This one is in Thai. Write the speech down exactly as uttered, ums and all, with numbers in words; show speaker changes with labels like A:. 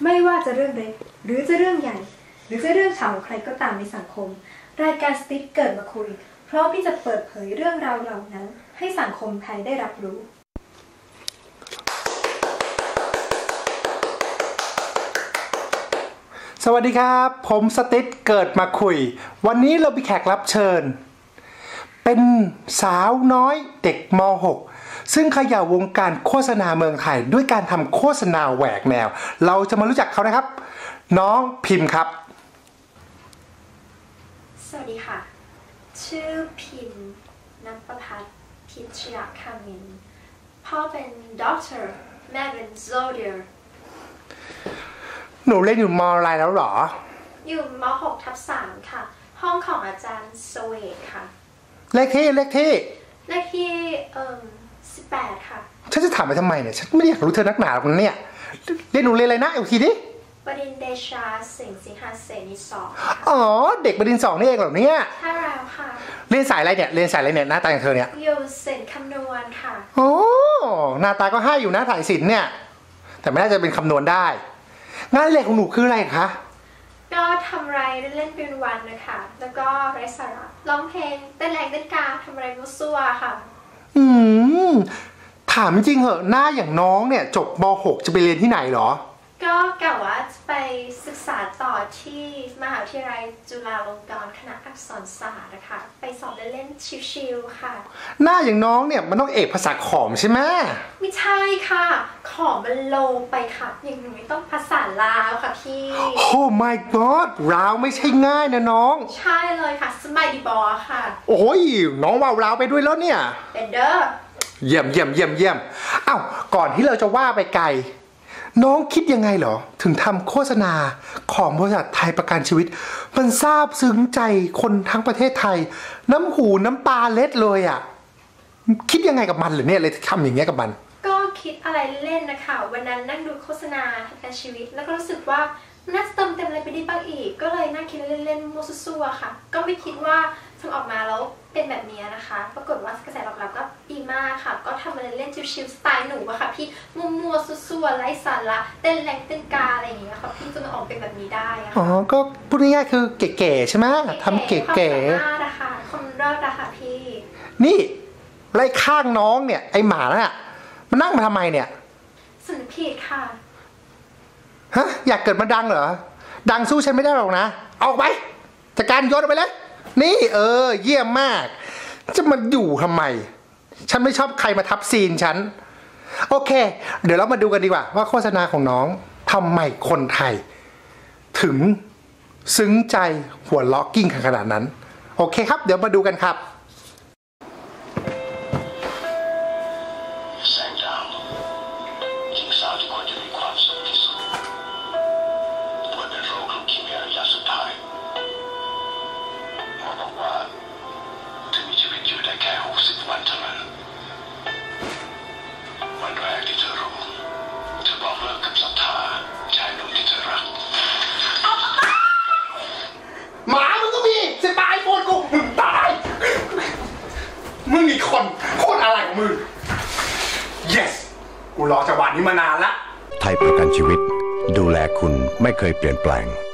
A: ไม่ว่าจะเรื่องเล็กหรือจะเรื่องใหญ่หรือจะเรื่องเฉาของใครก็ตามในสังคมรายการสติ๊กเกิดมาคุยพร้อมที่จะเปิดเผยเรื่องราวเหล่านั้นให้สังคมไทยได้รับรู้
B: สวัสดีครับผมสติ๊กเกิดมาคุยวันนี้เรามีแขกรับเชิญเป็นสาวน้อยเด็กม หก ซึ่งเขย่าวงการโฆษณาเมืองไทยด้วยการทำโฆษณาแหวกแนวเราจะมารู้จักเขานะครับน้องพิมพ์ครับ
A: สวัสดีค่ะชื่อพิมพ์ณประภัสพิชยคามินพ่อเป็นด็อกเตอร์แม่เป็นโซเดียร์
B: หนูเรียนอยู่ม.อะไรแล้วหรอ
A: อยู่ม หก ทับ สาม ค่ะห้องของอาจารย์สเวทค่ะ
B: เลขที่เลขที่
A: เลขที่เอ่อสิบแปดค่ะ
B: ฉันจะถามไปทำไมเนี่ยฉันไม่ได้อยากรู้เธอนักหนาหรอกเนี่ยเรียนหนูเรียนอะไรนะอีกทีดิ
A: บดินทร์เดชาสิงห์สิงหาเสนีสอง
B: อ๋อเด็กบดินทร์สองนี่เองเหรอเนี่ย
A: ใช่แล้วค่ะ
B: เรียนสายอะไรเนี่ยเรียนสายอะไรเนี่ยหน้าตาอย่างเธอเนี่ย
A: อยู่ศิลป์คำนวณค่ะ
B: โอ้หน้าตาก็ให้อยู่นะสายศิลป์เนี่ยแต่ไม่น่าจะเป็นคำนวณได้งานเล็กของหนูคืออะไรคะ
A: ก็ทำอะไรเล่นเป็นวันนะคะแล้วก็ไร้สาระร้องเพลงเต้นแรงเต้นกาทำอะไรมั่วซั่วค่ะ
B: อืมถามจริงเหอะหน้าอย่างน้องเนี่ยจบม หก จะไปเรียนที่ไหนหรอ
A: ก็กะว่าจะไปศึกษาต่อที่มหาวิทยาลัยจุฬาลงกรณ์คณะอักษรศาสตร์นะคะไปสอบเล่นๆชิวๆค่ะ
B: หน้าอย่างน้องเนี่ยมันต้องเอกภาษาขอมใช่ไหม
A: ไม่ใช่ค่ะขอมมันโลไปค่ะอย่างหนูไม่ต้องภาษาลาวค่ะพี่
B: โอ้ my god ลาวไม่ใช่ง่ายนะน้อง
A: ใช่เลยค่ะสมัยดีบอค่ะ
B: โอ้ยน้องว่าวลาวไปด้วยแล้วเนี่ย
A: เป็นเด้อ
B: เยี่ยมเยี่ยมเยี่ยมเยี่ยมอ้าวก่อนที่เราจะว่าไปไกลน้องคิดยังไงเหรอถึงทำโฆษณาของบริษัทไทยประกันชีวิตมันซาบซึ้งใจคนทั้งประเทศไทยน้ำหูน้ำตาเล็ดเลยอ่ะคิดยังไงกับมันหรือเนี่ยเลยทำอย่างเงี้ยกับมัน
A: ก็คิดอะไรเล่นนะคะวันนั้นนั่งดูโฆษณาประกันชีวิตแล้วก็รู้สึกว่าน่าจะเติมเต็มอะไรไปได้บ้างอีกก็เลยนั่งคิดเล่นๆมั่วซั่วค่ะก็ไม่คิดว่าทำออกมาแล้วเป็นแบบนี้นะคะปรากฏว่ากระแสตอบรับก็ดีมากค่ะก็ทำอะไรเล่นชิวๆสไตล์หนูอะค่ะพี่มั่วๆซั่วๆไร้สาระเต้นแรงเต้นกาอะไรอย่างเงี้ยค่ะพี่จนมันออกเป็นแบบนี้ได้อะ
B: อ๋อก็พูดง่ายๆคือเก๋ๆใช่ไหมทำเก๋ๆ
A: ความสามารถนะคะคนรอดอะค่ะพี่
B: นี่ไล่ข้างน้องเนี่ยไอหมาน่ะมันนั่งมาทำไมเนี่ย
A: สำนึกผิดค่ะ
B: ฮะอยากเกิดมาดังเหรอดังสู้ฉันไม่ได้หรอกนะออกไปจัดการโยนออกไปเลยนี่เออเยี่ยมมากจะมาอยู่ทำไมฉันไม่ชอบใครมาทับซีนฉันโอเคเดี๋ยวเรามาดูกันดีกว่าว่าโฆษณาของน้องทำไมคนไทยถึงซึ้งใจหัวเราะกิ้งขนาดนั้นโอเคครับเดี๋ยวมาดูกันครับหมามึงก็มีจะตายโคตรกูมึงตายมึงอีกคนโคตรอะไรของมึง yes กูรอจังหวะนี้มานานละ
C: ไทยประกันชีวิตดูแลคุณไม่เคยเปลี่ยนแปลง